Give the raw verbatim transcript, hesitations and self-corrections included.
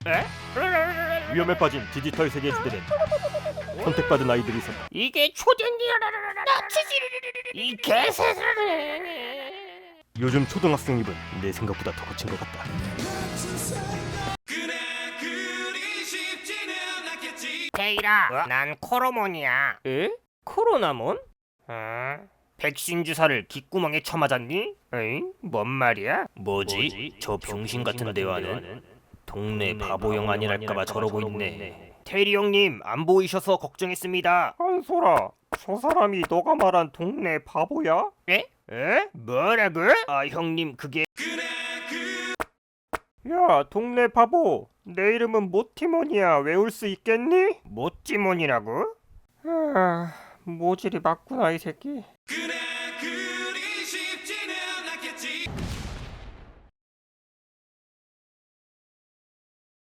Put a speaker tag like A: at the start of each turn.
A: 에?
B: 위험에 빠진 디지털 세계 시대는 선택받은 아이들이 있었다.
A: 이게 초den이야. 이 개새끼.
B: 요즘 초등학생 입은 내 생각보다 더 거친 것 같다.
A: 데이라, 난 코로몬이야.
B: 에? 코로나몬?
A: 어? 백신 주사를 귓구멍에 쳐맞았니? 에잉? 뭔 말이야?
B: 뭐지? 저 병신 같은 대화는? 동네 바보형 아니랄까봐 저러고 있네.
A: 테리 형님 안 보이셔서 걱정했습니다.
B: 한솔아, 저 사람이 너가 말한 동네 바보야?
A: 에? 에? 뭐라고? 아 형님 그게
B: 야, 동네 바보. 내 이름은 모티몬이야. 외울 수 있겠니?
A: 모찌몬이라고?
B: 아, 모질이 맞구나 이 새끼.
C: 그래